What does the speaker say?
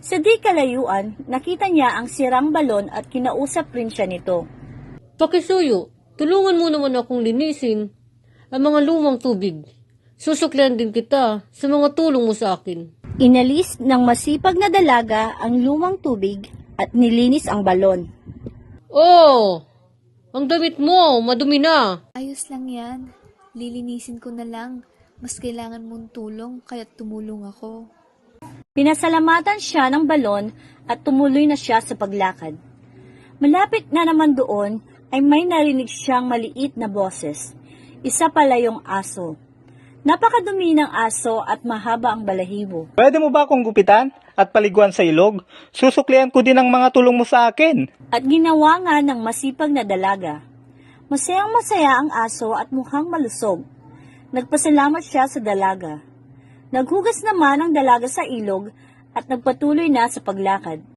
Sa di kalayuan, nakita niya ang sirang balon at kinausap rin siya nito. Pakisuyo, tulungan mo naman akong linisin ang mga lumang tubig. Susuklian din kita sa mga tulong mo sa akin. Inalis ng masipag na dalaga ang lumang tubig at nilinis ang balon. Oh, ang damit mo, madumi na. Ayos lang yan. Lilinisin ko na lang. Mas kailangan mong tulong kaya tumulong ako. Pinasalamatan siya ng balon at tumuloy na siya sa paglakad. Malapit na naman doon ay may narinig siyang maliit na boses. Isa pala yung aso. Napakadumi ng aso at mahaba ang balahibo. Pwede mo ba akong gupitan at paliguan sa ilog? Susuklian ko din ang mga tulong mo sa akin. At ginawa nga ng masipag na dalaga. Masayang-masaya ang aso at mukhang malusog. Nagpasalamat siya sa dalaga. Naghugas naman ang dalaga sa ilog at nagpatuloy na sa paglakad.